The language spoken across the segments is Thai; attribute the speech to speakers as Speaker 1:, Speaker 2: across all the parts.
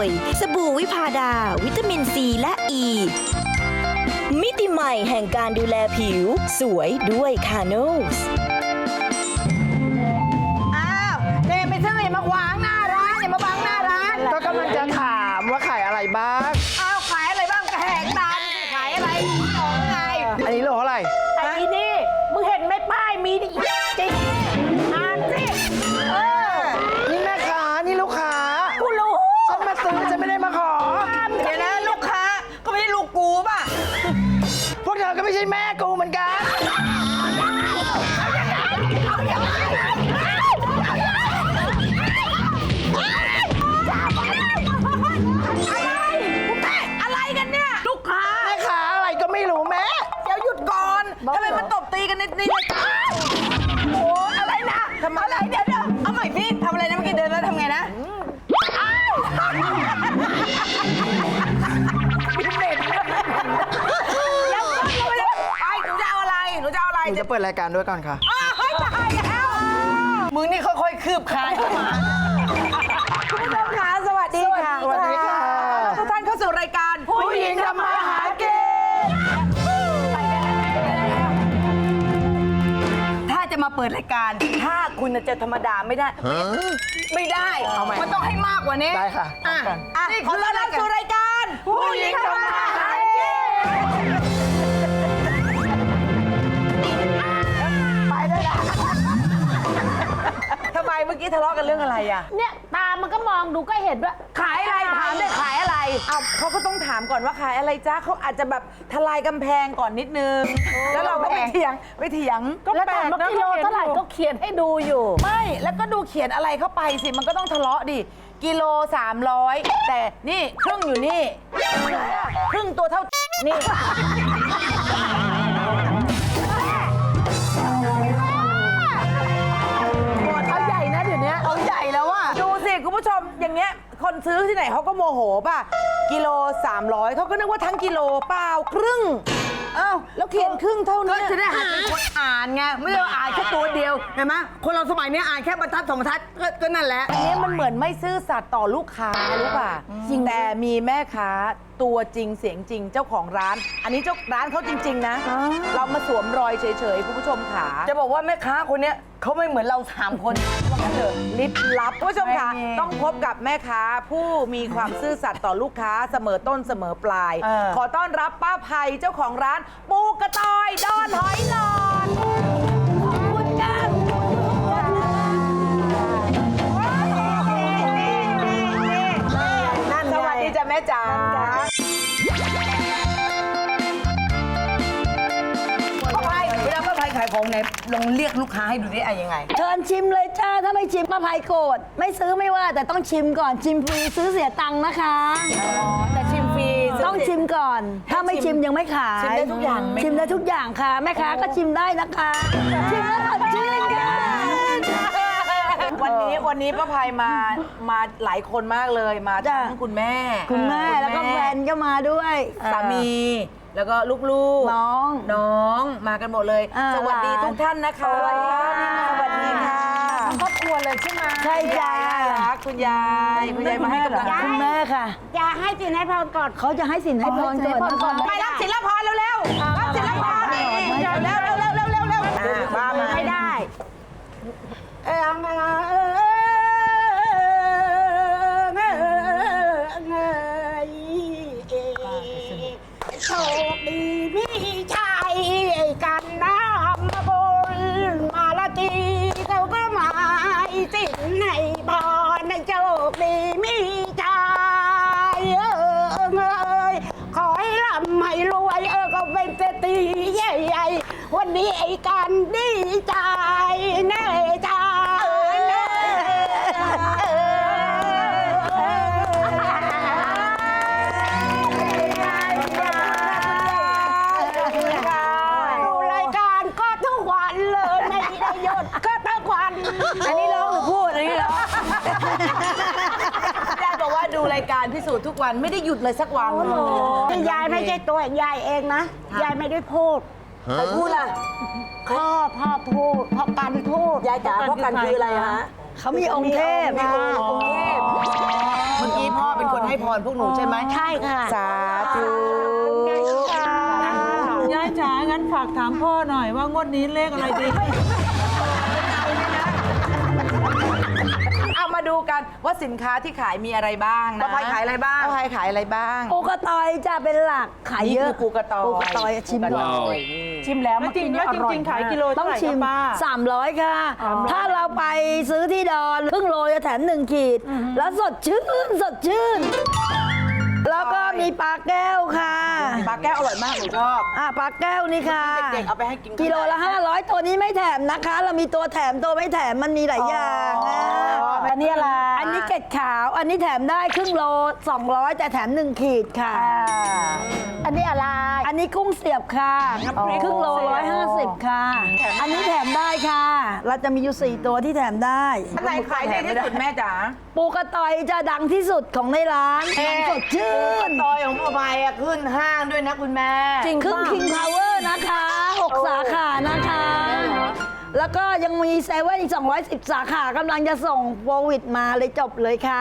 Speaker 1: สบู่วิพาดาวิตามินซีและอ e. ีมิติใหม่แห่งการดูแลผิวสวยด้วยคาโนส
Speaker 2: อ้าวเนมไปซื้ออย่ามาขวางหน้าร้านอย่ามาบังหน้าร้าน
Speaker 3: ก็กำลังจะถามว่าขายอะไรบ้าง
Speaker 2: อ้าวขายอะไรบ้างก็แหกตาขายอะไรของไง
Speaker 3: อันนี้โลเท่าไหร่
Speaker 2: ไอ้นี่มึงเห็นไหมป้ายมีดิจริงอ่านสิ
Speaker 3: นี่แม่ค้านี่ลูกค้า
Speaker 2: กูรู้
Speaker 3: ฉันมาซื้อฉันไม่ได้มาขอ
Speaker 2: เดี๋ยวนะลูกค้าก็ไม่ใช่ลูกกูป่ะ
Speaker 3: พวกเธอก็ไม่ใช่แม่กูเหมือนกัน
Speaker 2: อะไรกันเนี่ยลูกค้า
Speaker 3: แม่ค้าอะไรก็ไม่รู้แม่
Speaker 2: เดี๋ยวหยุดก่อนทำไมมันตบตีกันในรายการโอ้อะไรนะอะไรเดี๋ยวเอาใหม่พี่ทำอะไรนะเมื่อกี้เดินแล้วทำไงนะหนูจะเอาอะไรหนูจะเอาอะไร
Speaker 3: หนูจะเปิดรายการด้วยก่อนค่ะ
Speaker 2: เฮ้ยตายแล้วมึงนี่ค่อยๆคืบคลานเข้ามาคุณผู้ชมคะสวัสดีค่ะ
Speaker 3: สวัสดีค่ะ
Speaker 2: ทุกท่านเข้าสู่รายการผู้หญิงทำมาหากินถ้าจะมาเปิดรายการถ้าคุณจะธรรมดาไม่ได้ ไม่ได้มันต้องให้มากกว่านี้
Speaker 3: ได้ค่ะพร้อมกัน
Speaker 2: นี่ขอต้อนรับสู่รายการผู้หญิงทำมาหากินไปด้วยนะทำไมเมื่อกี้ทะเลาะกันเรื่องอะไรอ่ะ
Speaker 4: เนี่ยตามันก็มองดูก็เห็นว่า
Speaker 2: ขายอะไรถามได้ขายอะไรเอาเขาก็ต้องถามก่อนว่าขายอะไรจ้าเขาอาจจะแบบทลายกำแพงก่อนนิดนึง แล้วเราก็ไปเถียง
Speaker 4: แล้วถามว่ากิโลเท่าไหร่ก็เขียนให้ดูอยู่
Speaker 2: ไม่แล้วก็ดูเขียนอะไรเข้าไปสิมันก็ต้องทะเลาะดิกิโล300แต่นี่ครึ่งอยู่นี่ครึ่งตัวเท่านี่
Speaker 4: เอาใหญ่นะเดี๋ยวนี้
Speaker 2: เอาใหญ่แล้วอะดูสิคุณผู้ชมอย่างเงี้ยคนซื้อที่ไหนเขาก็โมโหป่ะกิโล300เขาก็นึกว่าทั้งกิโลเปล่าครึ่งอ้าวแล้วเขียนครึ่งเท่านี้ก็จะได้หัดเป็นคนอ่านไงไม่ได้ว่าอ่านแค่ตัวเดียวเห็นไหมคนเราสมัยนี้อ่านแค่บรรทัดสองบรรทัดก็นั่นแหละอันนี้มันเหมือนไม่ซื่อสัตย์ต่อลูกค้ารู้ป่ะจริงแต่มีแม่ค้าตัวจริงเสียงจริงเจ้าของร้าน อันนี้เจ้าร้านเขาจริงๆนะเรามาสวมรอยเฉยๆคุณผู้ชมค่ะจะบอกว่าแม่ค้าคนเนี้ยเขาไม่เหมือนเรา3คนว่างั้นเถอะลิบลับคุณผู้ชมค่ะต้องพบกับแม่ค้าผู้มีความซื่อสัตย์ต่อลูกค้าเสมอต้นเสมอปลาย ขอต้อนรับป้าภัยเจ้าของร้านปูกระต่อยดอนหอยหลอดขอบคุณจ้าสวัสดีจ้ะแม่จ๋าป้าภัยเวลาป้าภัยขายของไหนลองเรียกลูกค้าให้ดูได้ยังไง
Speaker 5: เชิญชิมเลยจ้า ถ้าไม่ชิมป้าภัยโกรธไม่ซื้อไม่ว่าแต่ต้องชิมก่อนชิมฟรีซื้อเสียตังค์นะคะ
Speaker 2: แต่ชิมฟรี
Speaker 5: ต้องชิมก่อน ถ้าไม่ชิมยังไม่ขาย
Speaker 2: ชิมได้ทุกอย่างไหม
Speaker 5: ชิมได้ทุกอย่างค่ะ แม่ค้าก็ชิมได้นะคะชิมแล้วสดชื่นค่ะ
Speaker 2: วันนี้ป้าภัยมาหลายคนมากเลยมาทั้งคุณแม่
Speaker 5: คุณแม่แล้วก็แฟนก็มาด้วย
Speaker 2: สามีแล้วก็ลูกๆ
Speaker 5: น้อง
Speaker 2: มากันหมดเลย สวัสดีทุกท่านนะคะ
Speaker 5: สวัสดีค่ะ
Speaker 2: สวัสดีค่ะ
Speaker 4: ครอบครัวเลยใช่ไหม
Speaker 5: ใช่จ้า
Speaker 2: คุณยายมาให้กำลังใจ
Speaker 5: คุณแม่ค่ะ
Speaker 4: จะให้สินให้พรก่อน
Speaker 5: เขาจะให้สินให้พรก่อนนะคะ
Speaker 2: ไปรับศิลปรเร็วๆรับศิลปรเร็วมา
Speaker 4: ไม่ได้ โชคดีพี่ชายกันน้ำบนมาละตีเขาก็มาสินในพรในโชคดีมีชายขอให้ร่ำให้รวยก็เป็นเศรษฐีใหญ่ๆวันนี้ไอ้กันดีใจแน่ใจดูรายการก็ทุกวันเลยไม่ได้หยุดก็ทุกวัน
Speaker 2: อันนี้ร้องหรือพูดอันนี้ร้องยายบอกว่าดูรายการพิสูจน์ทุกวันไม่ได้หยุดเลยสักวัน
Speaker 4: ที่ยายไม่ใช่ตัวยายเองนะ ยายไม่ได้พูด
Speaker 2: ใครพูดล่ะ
Speaker 4: พ่อพูดพ่อกันพูด
Speaker 2: ยายจ๋าพ่อกันคืออะไรฮะ
Speaker 5: เขามีองค์เทพ
Speaker 2: มีองค์เทพเมื่อกี้พ่อเป็นคนให้พรพวกหนูใช่ไหม
Speaker 4: ใช่ค่ะ
Speaker 2: สาธุ
Speaker 6: ยายจ๋างั้นฝากถามพ่อหน่อยว่างวดนี้เลขอะไรดี
Speaker 2: เอามาดูกันว่าสินค้าที่ขายมีอะไรบ้างนะป้าภัยขายอะไรบ้างป้าภัยขายอะไรบ้าง
Speaker 5: ปูกระตอยจะเป็นหลักขายเยอะ
Speaker 2: นี่คือปูกระตอย
Speaker 5: ปูกระตอยชิมก่อน
Speaker 6: ชิมแล้วจริงแล้วจริงๆขายกิโล
Speaker 5: ต้
Speaker 6: เท่า
Speaker 5: อง
Speaker 6: ไหร่
Speaker 5: ชิม
Speaker 6: ป้า
Speaker 5: 300 ค่ะ ถ้าเราไปซื้อที่ดอนครึ่งโลจะแถม1 ขีด แล้วสดชื่นสดชื่น แล้วก็มีปลาแก้วค่ะ
Speaker 2: ปลาแก้วอร่อยมากหนูชอบ
Speaker 5: ปลาแก้วนี่ค่ะ
Speaker 2: เด็กๆเอาไปให้กิน
Speaker 5: กิโลละ 500 ตัวนี้ไม่แถมนะคะ เรามีตัวแถมตัวไม่แถมมันมีหลายอย่างอันนี้อะไร อันนี้เกล็ดขาว อันนี้แถมได้ครึ่งโล 200 แต่แถม1 ขีดค่ะ
Speaker 4: อันนี้อะไร
Speaker 5: อันนี้กุ้งเสียบค่ะครึ่งโล 150 ค่ะ อันนี้แถมได้ค่ะ เราจะมีอยู่ 4 ตัวที่แถมได้
Speaker 2: อันไหนขายดีที่สุดแม่จ๋า
Speaker 5: ปูกระตอยจะดังที่สุดของในร้านสดชื่น
Speaker 2: ตอยของป้าภัยขึ้นห้างด้วยนะคุณแม่
Speaker 5: ครึ่ง King Power นะคะ 6 สาขานะคะ แล้วก็ยังมีเซเว่นอีก 210 สาขากำลังจะส่งโควิดมาเลยจบเลยค่ะ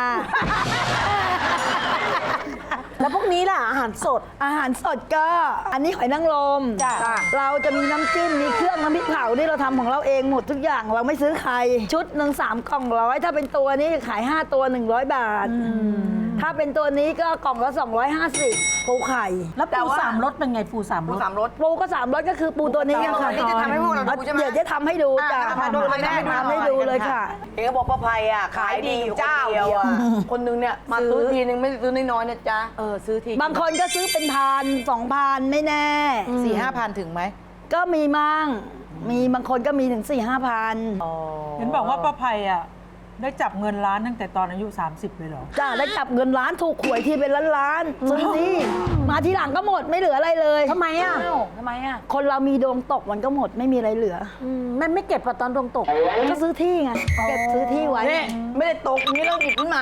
Speaker 4: แล้วพวกนี้ล่ะ อาหารสด
Speaker 5: อาหารสดก็อันนี้หอยนางรม
Speaker 2: จ้ะ
Speaker 5: เราจะมีน้ำจิ้ม มีเครื่องน้ำพริกเผาที่เราทำของเราเองหมดทุกอย่างเราไม่ซื้อใคร ชุดหนึ่ง3 กล่องร้อย ถ้าเป็นตัวนี้ขาย 5 ตัว 100 บาท ถ้าเป็นตัวนี้ก็กล่องละ 250 ปูไข่
Speaker 6: แล้วปูสามรสเป็นไงปูสามรส
Speaker 2: สามรส
Speaker 5: ปูก็3รสก็คือปูตัวนี้ค่ะ
Speaker 2: นี่จะทำให้พวกเราดูใช่ไหม
Speaker 5: เดี๋ยวจะทำให้ดูจ้ะ
Speaker 2: ทำดูเลยแม่
Speaker 5: ทำให้ดูเลยค่ะ
Speaker 2: เอกบอกป้าภัยขายดีอยู่เจ้าเดียวคนนึงเนี่ยมาซื้อทีนึงไม่ได้ซื้อน้อยๆนะจ๊ะซื้อที
Speaker 5: บางคนก็ซื้อเป็น1,000 2,000 ไม่แน่
Speaker 2: 4-5 พันถึงไหม
Speaker 5: ก็มีมั่งมีบางคนก็มีถึง 4-5,000
Speaker 6: เห็นบอกว่าป้าภัยอ่ะได้จับเงินล้านตั้งแต่ตอนอายุ 30 เลยเหรอ
Speaker 5: จ้าได้จับเงินล้านถูกหวยที่เป็นล้านๆซื้อที่มาทีหลังก็หมดไม่เหลืออะไรเลย
Speaker 4: ทำไมอ่ะ
Speaker 2: ทำไมอ่ะ
Speaker 5: คนเรามีดวงตกมันก็หมดไม่มีอะไรเหลือ
Speaker 4: แม่ไม่เก็บตอนดวงตก
Speaker 5: ก็ซื้อที่ไงเก็บซื้อที่ไว้
Speaker 2: นี่ไม่ได้ตกนี้เราหยิบขึ้นมา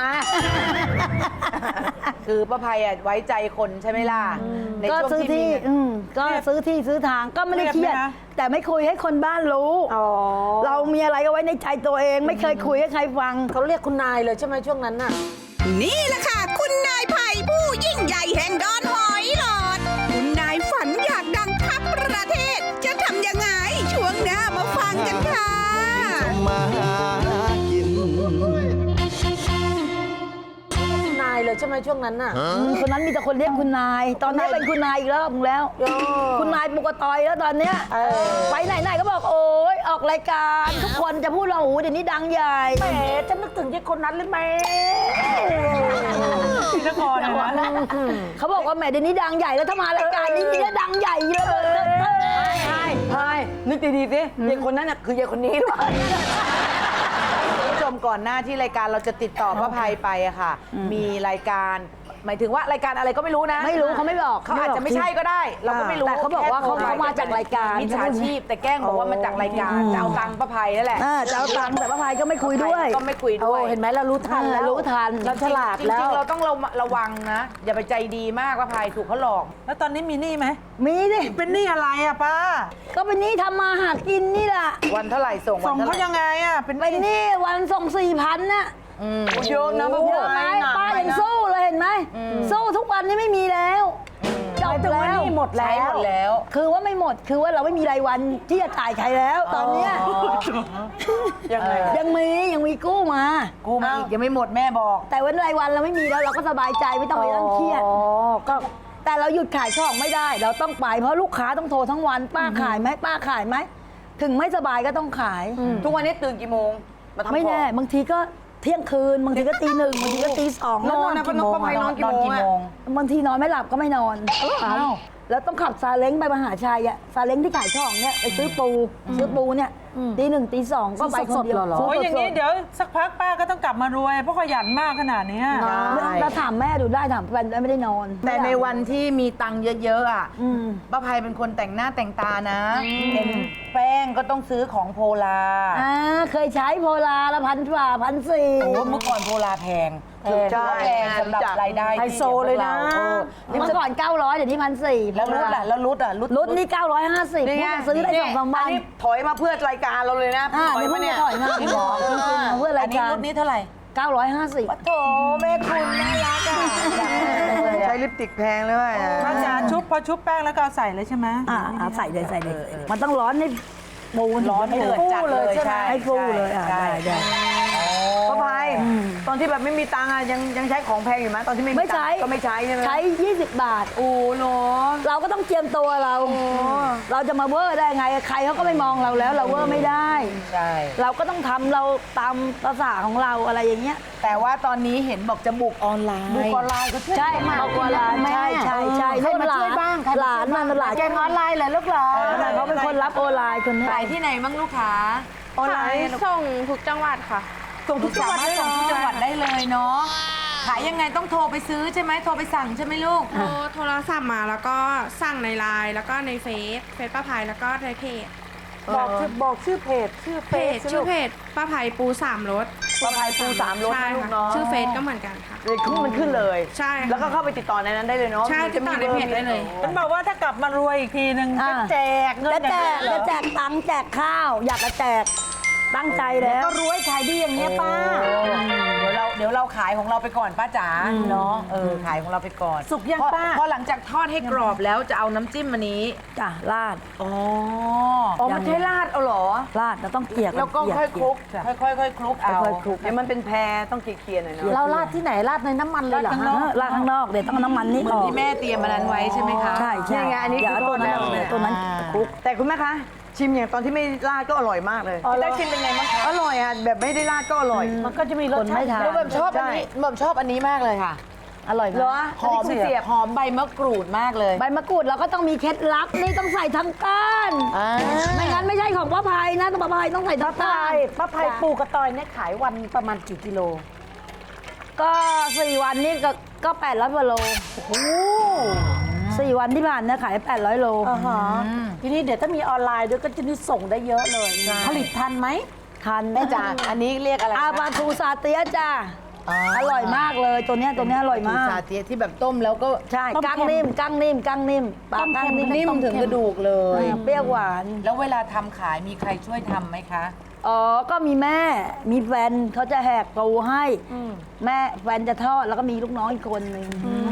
Speaker 2: คือป้าภัยไว้ใจคนใช่ไหมล่ะใน
Speaker 5: ก็
Speaker 2: ช่วง
Speaker 5: ซื้อ
Speaker 2: ที่
Speaker 5: ที่ ก็ซื้อที่ซื้อทางก็ไม่ได้เครียด
Speaker 6: เครียดไหมคะ
Speaker 5: แต่ไม่คุยให้คนบ้านรู้ เรามีอะไรก็ไว้ในใจตัวเอง ไม่เคยคุยให้ใครฟัง
Speaker 4: เขาเรียกคุณนายเลยใช่ไหมช่วงนั้นน่ะ
Speaker 7: นี่แหละค่ะ คุณนายไผ่ผู้ยิ่งใหญ่แห่งดอนหอยหลอด คุณนายฝันอยากดังทับประเทศ จะทำยังไง ช่วงหน้ามาฟังกันค่ะ
Speaker 3: มาหากิน
Speaker 4: คุณนายเลยใช่ไหมช่วงนั้นน่ะ
Speaker 5: คนนั้นมีแต่คนเรียกคุณนาย ตอนนี้เป็นคุณนายอีกรอบนึงแล้ว คุณนายปุกตอยแล้วตอนเนี้ยไปไหนๆก็บอกโอ๊ยออกรายการทุกคนจะพูดเราโอ้เดี๋ยวนี้ดังใหญ่
Speaker 4: แหมจะนึกถึงยี่คนนั้นเลยไหม
Speaker 6: ที่นครเนี่ยนะ
Speaker 5: เขาบอกว่าแหมเดี๋ยวนี้ดังใหญ่แล้วถ้ามารายการนี้นี่ดังใหญ่เลย
Speaker 2: ใช่นึกดีๆสิยายคนนั้นน่ะคือยายคนนี้หรือเปล่าคุณผู้ชมก่อนหน้าที่รายการเราจะติดต่อป้าภัยไปอะค่ะ มีรายการหมายถึงว่ารายการอะไรก็ไม่รู้นะ
Speaker 5: ไม่รู้เขาไม่บอก
Speaker 2: เขาอาจจะไม่ใช่ก็ได้ เราก็ไม่รู้
Speaker 5: แต่เขาบอกว่าเขามาจากรายการ
Speaker 2: มิจฉาชีพแต่แกล้งบอกว่ามาจากรายการจะเอาตังค์ป้าภัยนั่นแหละ
Speaker 5: จะเอาตังค์แต่ป้าพายก็ไม่คุยด้วย
Speaker 2: ก็ไม่คุยด้วย
Speaker 4: เห็นไหมเรารู้ทันแล้ว
Speaker 5: รู้ทัน
Speaker 4: เราฉลาด
Speaker 2: จ
Speaker 4: แล้
Speaker 2: ริง
Speaker 4: ว
Speaker 2: ๆเราต้องระวังนะ อย่าไปใจดีมากป้าภัยถูกเขาหลอก
Speaker 6: แล้วตอนนี้มีหนี้ไหม
Speaker 5: มีดิ
Speaker 6: เป็นหนี้อะไรอ่ะป้า
Speaker 5: ก็เป็นหนี้ทำมาหากินนี่แหละ
Speaker 2: วันเท่าไหร่ส่ง
Speaker 6: ส่
Speaker 2: วั
Speaker 6: ง
Speaker 2: นเท่า
Speaker 6: เขา
Speaker 2: ไหร่
Speaker 6: ยังไงอ่ะ เป็นห
Speaker 5: เป็นห
Speaker 6: นี้
Speaker 5: นี้วันส่ง4,000น่ะ
Speaker 2: เยอะนะป้า
Speaker 5: เย
Speaker 2: ภั
Speaker 5: อะไหม
Speaker 2: ย
Speaker 5: ป้ายังสู้เลยเห็นไหมสู้ทุกวันนี้ไม่มีแล้วจบแล้ว
Speaker 4: หมดแล้
Speaker 2: ใช้หม
Speaker 4: ว
Speaker 2: ดแล้ว
Speaker 5: คือว่าไม่หมดคือว่าเราไม่มีรายวันที่จะจ่ายใครแล้ว ตอนเนี้ย
Speaker 2: ยังไง
Speaker 5: ยังมีกู้มา
Speaker 2: กูมาอีกยังไม่หมดแม่บอก
Speaker 5: แต่วันรายวันเราไม่มีแล้วเราก็สบายใจไม่ต้องไปนั่งเครียดแต่เราหยุดขายของไม่ได้ เราต้องไปเพราะลูกค้าต้องโทรทั้งวันป้าขายไหมป้าขายไหมถึงไม่สบายก็ต้องขาย
Speaker 2: ทุกวันนี้ตื่นกี่โมงมาทำ
Speaker 5: ไม่แน่
Speaker 2: ของ
Speaker 5: บางทีก็เที่ยงคืนบางทีก็ตี 1บางทีก็ตี 2
Speaker 2: นอนนะป้าภัยนอนกี่โมง
Speaker 5: บางทีนอนไม่หลับก็ไม่นอน แล้วต้องขับซาเล้งไปมหาชัยอะซาเล้งที่ขายของเนี่ยไปซื้อปูเนี่ยตี 1ตี 2ก็ไปคนเดียว
Speaker 6: โอ้ยอย่างนี้เดี๋ยวสักพักป้าก็ต้องกลับมารวย เพราะขยันมากขนาดเนี้ย
Speaker 5: เราถามแม่ดูได้ถามแฟนได้ไม่ได้นอน
Speaker 2: แต่ในวันที่มีตังค์เยอะๆอ่ะป้าภัยเป็นคนแต่งหน้าแต่งตานะเห็นแป้งก็ต้องซื้อของโพลา
Speaker 5: เคยใช้โพลาละ1,400
Speaker 2: โอ้เมื่อก่อนโพลาแพงใช่แพงสำหรับรายได้
Speaker 4: ไฮโซเลยนะ
Speaker 5: เมื่อก่อน900เดี๋ยวนี้1,400
Speaker 2: แล้วรุดอ่ะ
Speaker 5: รุ่นนี่950
Speaker 2: นี่ไง
Speaker 5: ซื้อได้2-3 วัน
Speaker 2: ถอยมาเพื่อรายการเราเลยนะ
Speaker 5: เดี๋ยวเพิ่งจะถอยมาพี่บอกจริงๆเพื่อรายการ
Speaker 2: รุ่นนี้เท่าไหร่
Speaker 5: 950
Speaker 2: โถแม่คุณน่ารักอ่ะใช้ลิปสติกแพงเลยว่ะ
Speaker 6: ป้าจ๋าชุบพอชุบแป้งแล้วก็เอาใส่เลยใช่ไหม
Speaker 5: ใส่เลยมันต้องร้อนให้ปูน
Speaker 2: ร้อนให้เดือดจัดเลยใช่ไหม
Speaker 5: ให้ฟูเลยได้
Speaker 2: ป้าภัยตอนที่แบบไม่มีตังค์อ่ะยังใช้ของแพงอยู่ไหมตอนที่ไม่มี
Speaker 5: ไม่
Speaker 2: ตั
Speaker 5: ใช้
Speaker 2: งค์ก็ไม่ใช้ใช่ไหม
Speaker 5: ใช้ 20 บาท
Speaker 2: โอ้โห
Speaker 5: เราก็ต้องเจียมตัวเรา เราจะมาเวอร์ได้ไง ใครเขาก็ไม่มองเราแล้ว เราเวอร์ไม่ได้
Speaker 2: ใช่
Speaker 5: เราก็ต้องทำเราตามภาษาของเราอะไรอย่างเงี้ย
Speaker 2: แต่ว่าตอนนี้เห็นบอกจะบุกออนไลน์บุกออนไลน์ก็ช่วย
Speaker 5: ใช่เอากว่าหลานใช่ใช่
Speaker 2: ใครมาช่วยบ้างใคร
Speaker 5: หลานมันหลาน
Speaker 2: แกงออนไลน์เหรอลูกเหรอ
Speaker 5: เขาเป็นคนรับออนไลน์คนนี้
Speaker 2: ขายที่ไหนบ้างลูกค้าออนไลน์
Speaker 8: ส่งทุกจังหวัดค่ะ
Speaker 2: ส่งทุกจังหวัดได้ส่งทุกจังหวัดได้เลยเนาะขายยังไงต้องโทรไปซื้อใช่ไหมโทรไปสั่งใช่ไหมลูก
Speaker 8: โทรศัพท์มาแล้วก็สั่งในไลน์แล้วก็ในเฟซป้าภัยแล้วก็ในเพจ
Speaker 2: บอกชื่อเพจชื่อ
Speaker 8: เพจชื่อเพจป้าภัยปูสามรส
Speaker 2: ป้าภัยปูสามรส
Speaker 8: ใช่
Speaker 2: นะลูก
Speaker 8: ค่ะ
Speaker 2: เนาะ
Speaker 8: ชื่อเฟซก็เหมือนกันค่ะ
Speaker 2: เลยมันขึ้นเลย
Speaker 8: ใช่ค่ะ
Speaker 2: แล้วก็เข้าไปติดต่อในนั้นได้เลยเนาะ
Speaker 8: ใช่ติดต่อในเพจได้เลย
Speaker 6: ฉันบอกว่าถ้ากลับมารวยอีกทีนึงจะแจกเงิน
Speaker 5: จะแจกตังค์แจกข้าว อยากจะแจกตั้งใจแล้ว
Speaker 2: ก็รวยขายดีอย่างเงี้ยป้าเดี๋ยวเราขายของเราไปก่อนป้าจ๋าเนาะขายของเราไปก่อน
Speaker 6: สุกยังป้า
Speaker 2: พอหลังจากทอดให้กรอบแล้วจะเอาน้ำจิ้มอันนี้
Speaker 5: จ้ะราด
Speaker 2: อ๋อไม่ใช่ราดเอาเหรอ
Speaker 5: ราดเราต้องเกลี่ย
Speaker 2: แล้วก็ค่อยคลุกค่อยๆคลุกเอา
Speaker 5: ค่อยๆคลุก
Speaker 2: เดี๋ยวมันเป็นแพรต้องเกลี่ยๆหน่อยเนาะ
Speaker 5: เราราดที่ไหนราดในน้ำมันเลยเหรอราดข้างนอกเดี๋ยวต้องเอาน้ำมันนี่
Speaker 2: เหมื
Speaker 5: อ
Speaker 2: อน
Speaker 5: อก
Speaker 2: ที่แม่เตรียมมันนั้นไว้ใช่ไหมคะ
Speaker 5: ใช่
Speaker 2: นี่ไงอันนี้
Speaker 5: เดี๋ยว
Speaker 2: คือ
Speaker 5: ตัวนั้น
Speaker 2: ทอดแล้ว
Speaker 5: ตัวนั้นคลุก
Speaker 2: แต่คุณแม่คะชิมอย่างตอนที่ไม่ราดก็อร่อยมากเลยได้ชิมเป็นไงบ้างคะอร่อยอ่ะแบบไม่ได้ราดก็อร่อย
Speaker 5: มันก็จะมีรสชาติ
Speaker 2: แล้วแบบชอบอันนี้แบบชอบอันนี้มากเลยค่ะ
Speaker 5: อร่อย
Speaker 2: เหรอหอมเสียบหอมใบมะกรูดมากเลย
Speaker 5: ใบมะกรูดเราก็ต้องมีเคล็ดลับนี่ต้องใส่ทั้งก้านไม่งั้นไม่ใช่ของป้าภัยนะป้าภัยต้องใส่ทั้งก้าน
Speaker 2: ป้าภัยปูกระตอยเนี่ยขายวันประมาณกี่กิโล
Speaker 5: ก็4 วันนี่ก็800กว่าโล4 วันที่ผ่านเนี่ยขาย800 โล
Speaker 2: ทีนี้เดี๋ยวถ้ามีออนไลน์ด้วยก็จะนี่ส่งได้เยอะเลย ผลิตทันไหม
Speaker 5: ทัน
Speaker 2: แม่จ๋าอันนี้เรียกอะไร
Speaker 5: อาปลาทูซาเตียะจ้าอร่อยมากเลยตัวเนี้ยอร่อยมาก
Speaker 2: ซาเตียที่แบบต้มแล้วก็
Speaker 5: ใช่กั้งนิ่มปลากั้งนิ่ม
Speaker 2: ถึงกระดูกเลย
Speaker 5: เปรี้ยวหวาน
Speaker 2: แล้วเวลาทำขายมีใครช่วยทำไหมคะ
Speaker 5: อ๋อก็มีแม่มีแฟนเขาจะแหกปูให้แม่แฟนจะทอดแล้วก็มีลูกน้องอีกคนนึง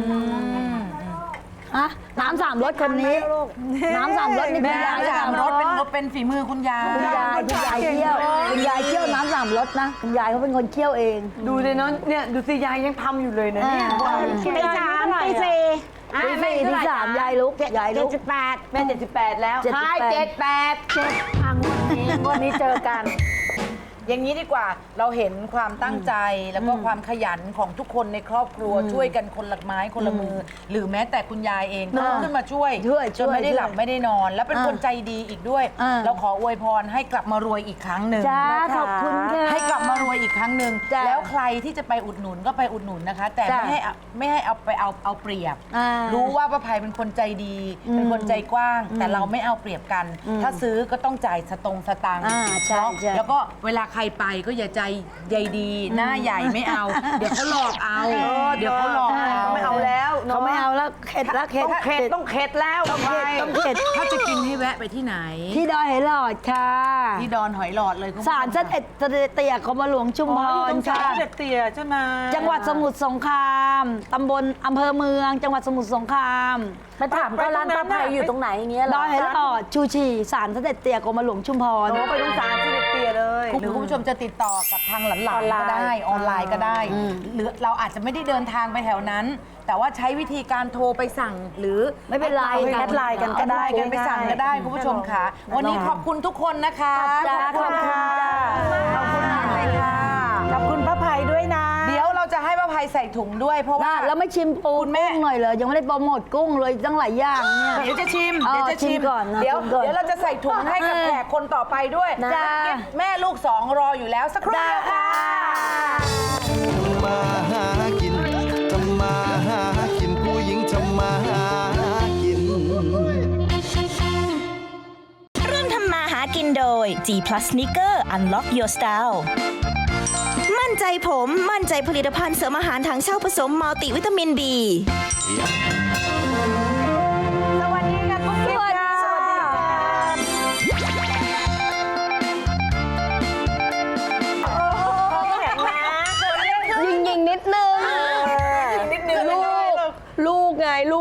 Speaker 5: อะน้ำ3 รสคนนี้น้ำ3 รสนี่
Speaker 2: แม่
Speaker 5: คุณยาย
Speaker 2: สามรสเป็นฝีมือคุณยาย
Speaker 5: คุณยายเคี่ยวน้ำ3 รสนะคุณยายเขาเป็นคนเคี่ยวเอง
Speaker 2: ดูเลยเนาะเนี่ยดูสิยายยังทำอยู่เลยนะเนี่ย
Speaker 4: ตีสามตีสี่
Speaker 5: ตีสี่ตีสามยายลุก
Speaker 4: 78
Speaker 2: แม่78แล้ว
Speaker 5: 78
Speaker 2: ใช่78ทางวันนี้เจอกัน อย่างนี้ดีกว่าเราเห็นความตั้งใจแล้วก็ความขยันของทุกคนในครอบครัวช่วยกันคนละไม้คนละมือ หรือแม้แต่คุณยายเองก็ขึ้นมาช่วยจนไม่ได้หลับไม่ได้นอน แล้วเป็นคนใจดีอีกด้วย เราขออวยพรให้กลับมารวยอีกครั้งหนึ่ง
Speaker 5: จ้าขอบคุณค่ะ
Speaker 2: ให้กลับมารวยอีกครั้งหนึ่ง
Speaker 5: จ้ะ
Speaker 2: แล้วใครที่จะไปอุดหนุนก็ไปอุดหนุนนะคะ แต่
Speaker 5: จ้ะ
Speaker 2: ไม่ให้เอาไปเอาเปรียบ
Speaker 5: อ่า
Speaker 2: รู้ว่าป้าภัยเป็นคนใจดี เป็นคนใจกว้าง แต่เราไม่เอาเปรียบกัน ถ้าซื้อก็ต้องจ่ายสตังค์
Speaker 5: ใช่
Speaker 2: เนาะ
Speaker 5: ใช่
Speaker 2: แล้วก็เวลาใครไปก็อย่าใจใยดี หน้าใหญ่ไม่เอา เดี๋ยวเขาหลอกเอา เดี๋ยวเขาหลอกเอาไม่เอาแล้ว
Speaker 5: เขาไม่เอาแล้วเข็ดแล้วเข็ด
Speaker 2: ต้องเข็ดแล้ว
Speaker 5: ต้องเข็ด
Speaker 2: ถ้าจะกินให้แวะไปที่ไหน
Speaker 5: ที่ดอยไหหลอดค่ะ
Speaker 2: ที่ดอนหอยหลอดเลยคุณผู้ชม
Speaker 5: ศาลเสด็จเตี่ยกรมหลวงชุมพรค่ะ
Speaker 6: เด็ดเตี่ยใช่ไหม
Speaker 5: จังหวัดสมุทรสงครามตำบลอำเภอเมือง จังหวัดสมุทรสงคราม
Speaker 6: มาถามก็ร้านป้าภัยอยู่ตรงไหนอย่างเงี้ย
Speaker 5: ดอยไหหลอดชูชีศาลเสด็จเตี่ยกรมหลวงชุมพร
Speaker 2: ไปตรงศาลเสด็จเตี่ยเลยหรือคุณผู้ชมจะติดต่อกับทางหลานๆก็ได้ออนไลน์ก็ได้ หรือเราอาจจะไม่ได้เดินทางไปแถวนั้น แต่ว่าใช้วิธีการโทรไปสั่งหรือ
Speaker 5: ไม่เป็นไร
Speaker 2: แอดไลน์กันก็ได้กันไปสั่งก็ได้คุณผู้ชมค่ะ วันนี้ขอบคุณทุกคนนะคะ
Speaker 5: จ้าขอบคุณจ้า
Speaker 2: ขอบคุณมากเลยค่ะ
Speaker 6: ขอบคุณป้าภัยด้วยนะ
Speaker 2: เดี๋ยวเราจะให้ป้าภัยใส่ถุงด้วยเพราะว่า
Speaker 5: แล้วไม่ชิมปู
Speaker 2: คุณแม่
Speaker 5: กุ้งหน่อยเลยยังไม่ได้โปรโมทกุ้งเลยตั้งหลายอย่างเนี่ย
Speaker 2: เดี๋ยวจะชิม
Speaker 5: อ๋อ
Speaker 2: เดี๋ยวจะชิ
Speaker 5: ชิ
Speaker 2: ม
Speaker 5: มก่อนนะ
Speaker 2: เดี๋ยว
Speaker 5: ชิมก่อน
Speaker 2: เดี๋ยวเราจะใส่ถุงให้กับแขกคนต่อไปด้วย
Speaker 5: จ้า
Speaker 2: แม่ลูกสองรออยู่แล้วสักครู่เดียวค่ะ
Speaker 3: มาหากินทำมาหากินผู้หญิงทำมาหากิน
Speaker 1: ร่วมทำมาหากินโดย G Plus Sneaker Unlock Your Style มั่นใจผมมั่นใจผลิตภัณฑ์เสริมอาหารถังเช่าผสมมัลติวิตามิน B
Speaker 2: สวัสดีค่ะคุณผู้ชม
Speaker 5: สวัสดีค่ะ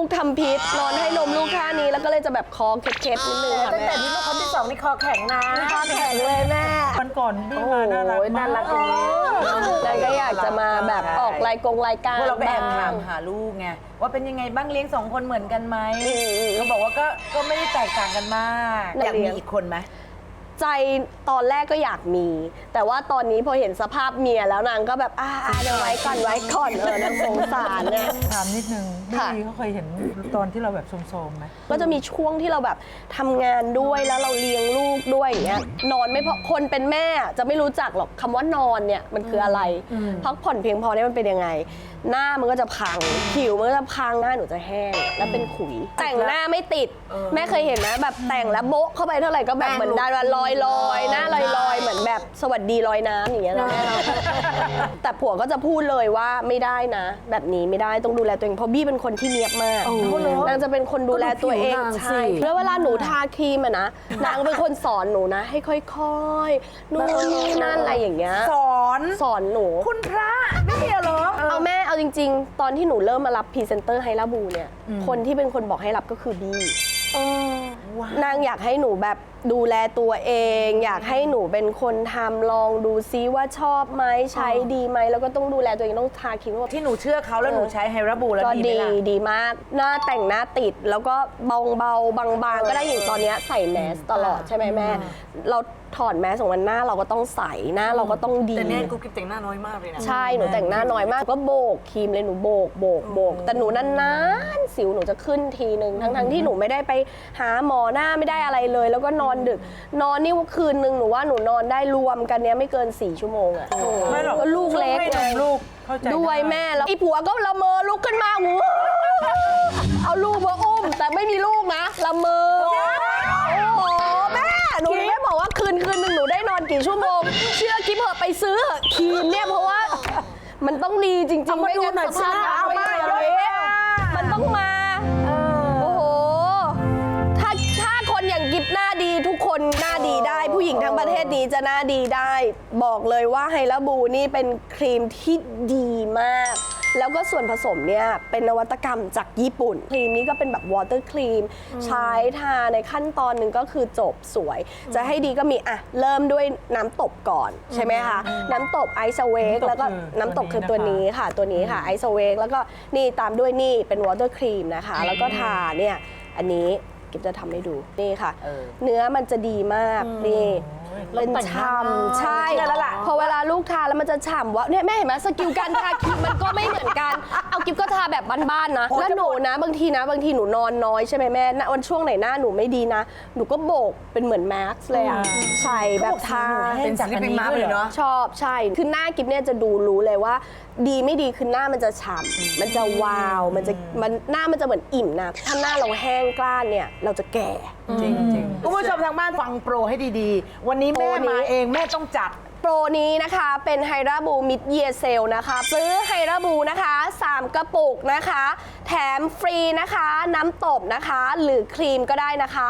Speaker 9: กทำพิษนอนให้นมลูกท่านี้แล้วก็เลยจะแบบคอเคล็ดๆนิดนึงค่ะ
Speaker 2: ตั้ง
Speaker 9: แม่
Speaker 2: แต่ที่ลูกคนที่2นี่คอแข็งนะ
Speaker 9: คอแข็งเลยแม่
Speaker 6: วันก่อนบี้มาน่ารัก
Speaker 2: โอ้ยน่ารักอย่างนี้
Speaker 9: แล้วก็อยากจะมาแบบออกรายการ
Speaker 2: พวกเราก็แอบ
Speaker 9: บ้
Speaker 2: ถาง มหาลูกไงว่าเป็นยังไงบ้างเลี้ยง2 คนเหมือนกันไหมเขาบอกว่าก็ไม่ได้แตกต่างกันมากอยากมีอีกคนไหม
Speaker 9: ใจตอนแรกก็อยากมี แต่ว่าตอนนี้พอเห็นสภาพเมียแล้วนางก็แบบเดี๋ยวไว้ก่อนนางสงสารเนี่ย
Speaker 6: ถามนิดนึง
Speaker 9: ค่ะ
Speaker 6: พี่เขาเคยเห็นตอนที่เราแบบโซมๆไหม
Speaker 9: ก็จะมีช่วงที่เราแบบทำงานด้วยแล้วเราเลี้ยงลูกด้วยอย่างเงี้ยนอนไม่พอคนเป็นแม่จะไม่รู้จักหรอกคำว่านอนเนี่ยมันคืออะไรพักผ่อนเพียงพอเนี่ยมันเป็นยังไง หน้ามันก็จะพังผิวมันก็จะพังหน้าหนูจะแห้งแล้วเป็นขุยแต่งหน้าไม่ติดแม่เคยเห็นไหมแบบแต่งแล้วโบ๊ะเข้าไปเท่าไหร่ก็แบบเหมือนดาราลอยหน้าลอยเหมือนแบบสวัสดีลอยน้ำอย่างเงี้ยนะแม่เราแต่ผัวก็จะพูดเลยว่าไม่ได้นะ แบบนี้ไม่ได้ต้องดูแลตัวเองเพราะบี้เป็นคนที่เนียบมากนางจะเป็นคนดูแลตัวเองใช่แล้วเวลาหนูทาครีมอะนะนางเป็นคนสอนหนูนะให้ค่อยๆนู่นนี่นั่นอะไรอย่างเงี้ยสอนหนู
Speaker 2: คุณพระไม่เหรอ
Speaker 9: เอาแม่เอาจริงๆ ตอนที่หนูเริ่มมารับพรีเซนเตอร์ไฮลาบูเนี่ยคนที่เป็นคนบอกให้รับก็คือบี้นางอยากให้หนูแบบดูแลตัวเอง อยากให้หนูเป็นคนทำลองดูซิว่าชอบไหมใช้ดีไหมแล้วก็ต้องดูแลตัวเองต้องทาครีม
Speaker 2: ที่หนูเชื่อเขาแล้วหนูใช้ไฮราบูแล้ว
Speaker 9: ก็
Speaker 2: ดีไหม
Speaker 9: ดี
Speaker 2: ล่ะ
Speaker 9: ดีมากหน้าแต่งหน้าติดแล้วก็เบาๆบางๆก็ได้อย่างตอนเนี้ยใส่แมสตลอดใช่ไหมแม่เราถอดแมสของมันหน้าเราก็ต้องใส่หน้าเราก็ต้องดี
Speaker 2: แต่เนี่ยกูกิ๊บแต่งหน้าน้อยมากเลยนะ
Speaker 9: ใช่หนูแต่งหน้าน้อยมากก็โบกครีมเลยหนูโบกแต่หนูนานๆสิวหนูจะขึ้นทีนึงทั้งที่หนูไม่ได้ไปหาหมอหน้าไม่ได้อะไรเลย แล้วก็นอนดึกนอนนี่คืนนึงหนูว่าหนูนอนได้รวมกันเนี้ยไม่เกิน4 ชั่วโมงอะ
Speaker 6: ไม่หรอก
Speaker 9: ก็ลูกเล็ก
Speaker 6: ให้นมลูกเข้าใจ
Speaker 9: ด้วยแม่แล้วไอ้ผัวก็ละเมอลุกขึ้นมาหูเอาลูกมาอุ้มแต่ไม่มีลูกนะละเมอโอ้โหแม่หนูไม่บอกว่าคืนนึงหนูได้นอนกี่ชั่วโมงเชื่อกิ๊บเหอะไปซื้อเหอะครีมเนี่ยเพราะว่ามันต้องดีจริงๆไม่งั้นสภาพ
Speaker 2: เอามา
Speaker 9: มันต้องมาโอ้โหถ้าคนอย่างกิ๊บหน้าดีทุกคนหน้าดีได้ ผู้หญิงทั้งประเทศนี้จะหน้าดีได้ บอกเลยว่าไฮลาบูนี่เป็นครีมที่ดีมาก แล้วก็ส่วนผสมเนี่ยเป็นนวัตกรรมจากญี่ปุ่นครีมนี้ก็เป็นแบบวอเตอร์ครีมใช้ทาในขั้นตอนหนึ่งก็คือจบสวย จะให้ดีก็มีเริ่มด้วยน้ำตบก่อนใช่ไหมคะน้ำตบไอซ์เวกแล้วก็น้ำตบคือตัวนี้ค่ะตัวนี้ค่ะไอซ์เวกแล้วก็นี่ตามด้วยนี่เป็นวอเตอร์ครีมนะคะแล้วก็ทาเนี่ยอันนี้กิ๊บจะทำให้ดูนี่ค่ะ เนื้อมันจะดีมากนี่เป็นฉ่ำใช่พอเวลาลูกทาแล้วมันจะฉ่ำว่าเนี่ยแม่เห็นไหมสกิลการทาครีมมันก็ไม่เหมือนกันเอากิ๊บก็ทาแบบบ้านๆนะแล้วหนูนะบางทีหนูนอนน้อยใช่ไหมแม่วันช่วงไหนหน้าหนูไม่ดีนะหนูก็โบกเป็นเหมือนแม็กซ์เลยอ่ะใส่แบบทา
Speaker 2: เป็นสลิปปิ้งมาร์เลยเนาะ
Speaker 9: ชอบใช่คือหน้ากิ๊บเนี่ยจะดูรู้เลยว่า ดีไม่ดีคือหน้ามันจะฉ่ำมันจะวาวหน้ามันจะเหมือนอิ่มนะถ้าหน้าเราแห้งกล้านเนี่ยเราจะแก่
Speaker 6: จริง
Speaker 2: คุณผู้ชมทางบ้านฟังโปรให้ดีๆ วันนี้แม่
Speaker 9: โปรนี้
Speaker 2: มาเองแม่ต้องจัด
Speaker 9: โปรนี้นะคะเป็นไฮราบูมิดเยียเซลนะคะซื้อไฮราบูนะคะ3 กระปุกนะคะแถมฟรีนะคะน้ำตบนะคะหรือครีมก็ได้นะคะ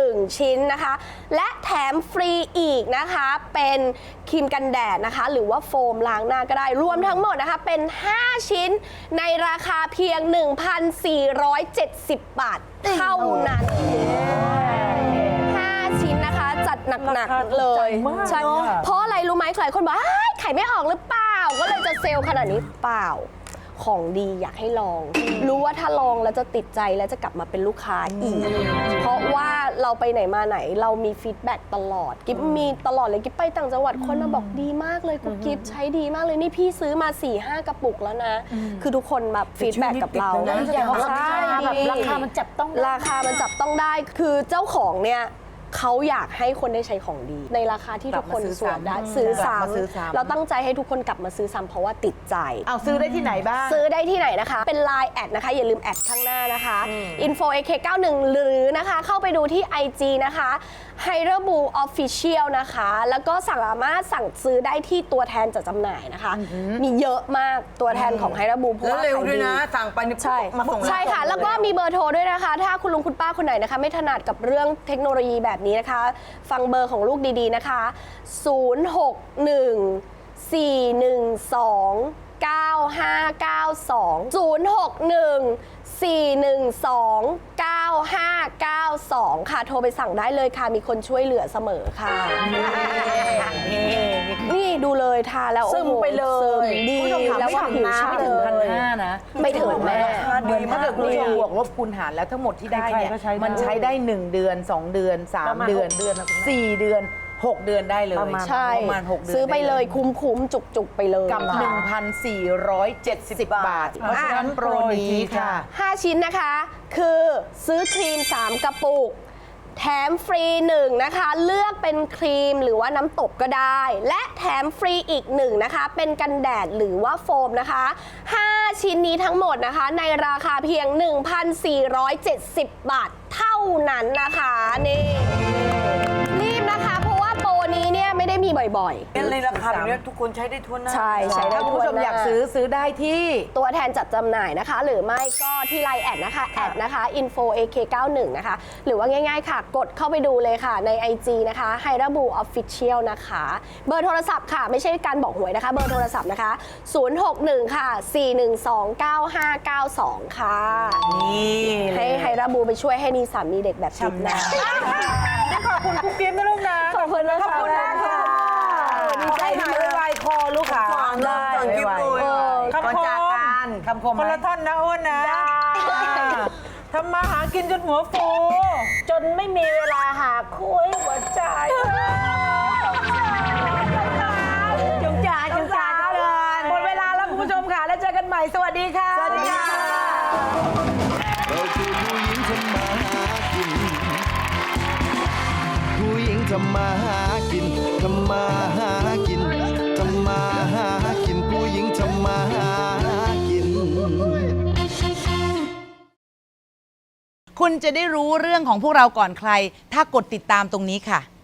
Speaker 9: 1 ชิ้นนะคะและแถมฟรีอีกนะคะเป็นครีมกันแดดนะคะหรือว่าโฟมล้างหน้าก็ได้รวมทั้งหมดนะคะเป็น5 ชิ้นในราคาเพียง 1,470 บาทเท่านั้น5 ชิ้นนะคะจัดหนักๆเลยใช่เพราะอะไรรู้ไหมหลายคนบอกขายไม่ออกหรือเปล่าก็เลยจะเซลล์ขนาดนี้เปล่าของดีอยากให้ลอง รู้ว่าถ้าลองแล้วจะติดใจแล้วจะกลับมาเป็นลูกค้าอีก เพราะว่าเราไปไหนมาไหนเรามีฟีดแบ็กตลอดกิ๊บมีตลอดเลยกิ๊บไปต่างจังหวัดคนมาบอกดีมากเลยกุ๊กกิ๊บใช้ดีมากเลยนี่พี่ซื้อมา 4-5 กระปุกแล้วนะ คือทุกคนแบบฟีดแบ็กกับเรา
Speaker 2: ใช่
Speaker 9: ราคามันจับต้องได้คือเจ้าของเนี่ยเขาอยากให้คนได้ใช้ของดี ในราคาที่ทุกคนสวมได้ซื้อซ้ำเราตั้งใจให้ทุกคนกลับมาซื้อซ้ำเพราะว่าติดใจ
Speaker 2: เอาซื้อได้ที่ไหนบ้าง
Speaker 9: ซื้อได้ที่ไหนนะคะ เป็น Line แอดนะคะ อย่าลืมแอดข้างหน้านะคะ info ak91 หรือนะคะเข้าไปดูที่ IG นะคะ h y r a b u Official นะคะ แล้วก็สามารถสั่งซื้อได้ที่ตัวแทนจัดจำหน่ายนะคะ มีเยอะมากตัวแทนของ h y r a b u เพราะ
Speaker 2: แล้ว
Speaker 9: ว่า
Speaker 2: เร็ว
Speaker 9: ขาย
Speaker 2: ด้วยนะ สั่งไปนี่
Speaker 9: ใช่
Speaker 2: มาส่ง
Speaker 9: ใช่ค่ะ แล้วก็มีเบอร์โทรด้วยนะคะ ถ้าคุณลุงคุณป้าคนไหนนะคะ ไม่ถนัดกับเรื่องเทคโนโลยีแบบนี้นะคะ ฟังเบอร์ของลูกดีๆนะคะ 061 412 9592 061 412-9592 ค่ะ โทรไปสั่งได้เลยค่ะ มีคนช่วยเหลือเสมอค่ะ นี่ดูเลยทาแล้ว
Speaker 2: ซึมไปเลย
Speaker 9: ซึมดี
Speaker 2: คุณผู้ชมถาม
Speaker 9: แล้ว
Speaker 2: ไม่
Speaker 9: ว่า
Speaker 2: ถึ
Speaker 9: ผิ
Speaker 2: ง
Speaker 9: ว
Speaker 2: นะ
Speaker 9: ช่ำ
Speaker 2: ไม่ถึง
Speaker 9: เลย
Speaker 2: 1,500นะ
Speaker 9: ไม่ถึงแม่
Speaker 2: เหมือนถ้าเกิดคุณผู้ชมบวกลบคูณหารแล้วทั้งหมดที่ได้เนี่ย
Speaker 6: ใครๆก็ใช้ได้
Speaker 2: มันใช้ได้ 1 เดือน 2 เดือน
Speaker 6: ประ
Speaker 2: 3
Speaker 6: มาณ
Speaker 2: เดือน
Speaker 6: 6 เดือนนะคุณแม่
Speaker 2: 4 เดือน 6 เดือนได้เลย
Speaker 9: ใช่
Speaker 2: ประมาณ 6 เดือน
Speaker 9: ซื้อไปเลย
Speaker 2: ด้
Speaker 9: คุ้มๆ จุกๆ ไปเลย
Speaker 2: กับ 1,470 บาท เพราะฉะนั้นโปรนี้ค่ะ
Speaker 9: 5 ชิ้นนะคะ คือซื้อครีม 3 กระปุก แถมฟรี 1 นะคะ เลือกเป็นครีมหรือว่าน้ำตบก็ได้ และแถมฟรีอีก 1 นะคะ เป็นกันแดดหรือว่าโฟมนะคะ 5 ชิ้นนี้ทั้งหมดนะคะ ในราคาเพียง 1,470 บาทเท่านั้นนะคะนี่รีบนะคะ เพราะว่าโปรนี้เนี่ยไม่ได้มีบ่อยๆ
Speaker 2: ในราคาแบบนี้ทุกคนใช้ได้ทั่วหน้า
Speaker 9: ใช่ใช้ได้
Speaker 2: ถ้าคุณผู้ชม
Speaker 9: ทั่วหน้า
Speaker 2: อยากซื้อได้ที่
Speaker 9: ตัวแทนจัดจำหน่ายนะคะ หรือไม่ก็ที่ไลน์แอดนะคะแอดนะคะ info ak91 นะคะ หรือว่าง่ายๆค่ะ กดเข้าไปดูเลยค่ะใน IG นะคะ h y r a b u Official นะคะ เบอร์โทรศัพท์ค่ะ ไม่ใช่การบอกหวยนะคะ เบอร์โทรศัพท์นะคะ 061 ค่ะ 412-9592 ค่ะ
Speaker 2: นี่
Speaker 9: ให้ไฮราบูไปช่วยให้นีสามีเด็กแบบจิ๊บนะ
Speaker 6: ขอบคุณกุ๊กกิ๊บนะลูกนะ
Speaker 9: ขอบคุณนะคะ
Speaker 2: ขอบคุณมากค่ะ ดีใจหายไวๆคอลูกขา
Speaker 5: ได้
Speaker 2: ไวๆ
Speaker 6: คำคม
Speaker 2: ก่อนจากกันคำคมไห
Speaker 6: ค
Speaker 2: ม
Speaker 6: นละท่อนนะอ้วนนะทำมาหากินจนหัวฟู
Speaker 4: จนไม่มีเวลาหาคุยหัวใจจุงจ่าจุงจ่าก็เลย
Speaker 2: หมดเวลาแล้วคุณผู้ชมค่ะ แล้วเจอกันใหม่ สวัสดีค่ะ
Speaker 5: สวัสดีค่ะ
Speaker 3: เราคือผู้หญิงทำมาหากิน ผู้หญิงทำมาหากิน ทำมาหากิน ทำมาหากิน ผู้หญิงทำมาหากิน
Speaker 2: คุณจะได้รู้เรื่องของพวกเราก่อนใคร ถ้ากดติดตามตรงนี้ค่ะ